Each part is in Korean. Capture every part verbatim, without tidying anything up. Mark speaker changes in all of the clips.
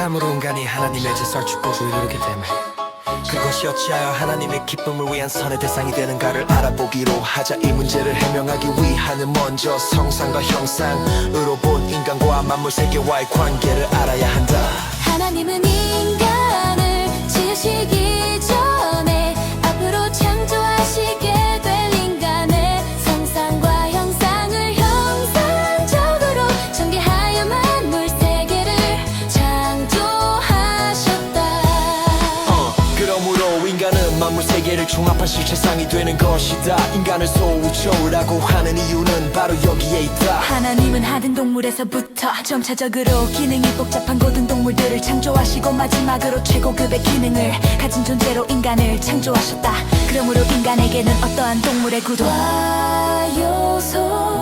Speaker 1: 참으로 인간이 하나님의 질서를 축복을 이루기 때문에 그것이 어찌하여 하나님의 기쁨을 위한 선의 대상이 되는가를 알아보기로 하자. 이 문제를 해명하기 위하는 먼저 성상과 형상으로 본 인간과 만물 세계와의 관계를 알아야 한다.
Speaker 2: 하나님은 인간을 지으시기 전에 앞으로 창조하시게 될 인간의 성상과 형상을 형상적으로 전개하여 만물 세계를 창조하셨다.
Speaker 1: 어, 그러므로 인간은 만물 세계를 종합한 실체상이 되는 것이다. 인간을 소우초라고 하는 이유는 바로 여기에 있다.
Speaker 2: 하나님은 하등 동물에서부터 점차적으로 기능이 복잡한 고등 동물들을 창조하시고 마지막으로 최고급의 기능을 가진 존재로 인간을 창조하셨다. 그러므로 인간에게는 어떠한 동물의 구도 와요소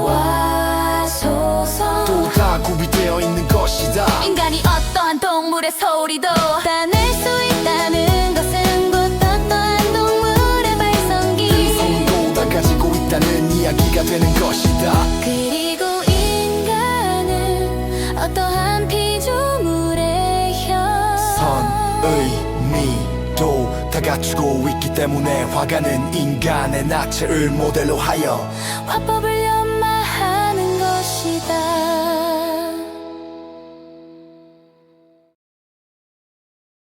Speaker 2: 와소서
Speaker 1: 또 다 구비되어 있는 것이다.
Speaker 2: 인간이 어떠한 동물의 소리도 따낼 수 있다는 것은 곧 어떠한 동물의 발성기
Speaker 1: 성도 다 가지고 있다는 이야기가 되는 것이다.
Speaker 2: 그리고 인간은 어떠한 피조물의 형
Speaker 1: 선, 의, 미도 다 갖추고 있기 때문에 화가는 인간의 나체를 모델로 하여
Speaker 2: 화법을 염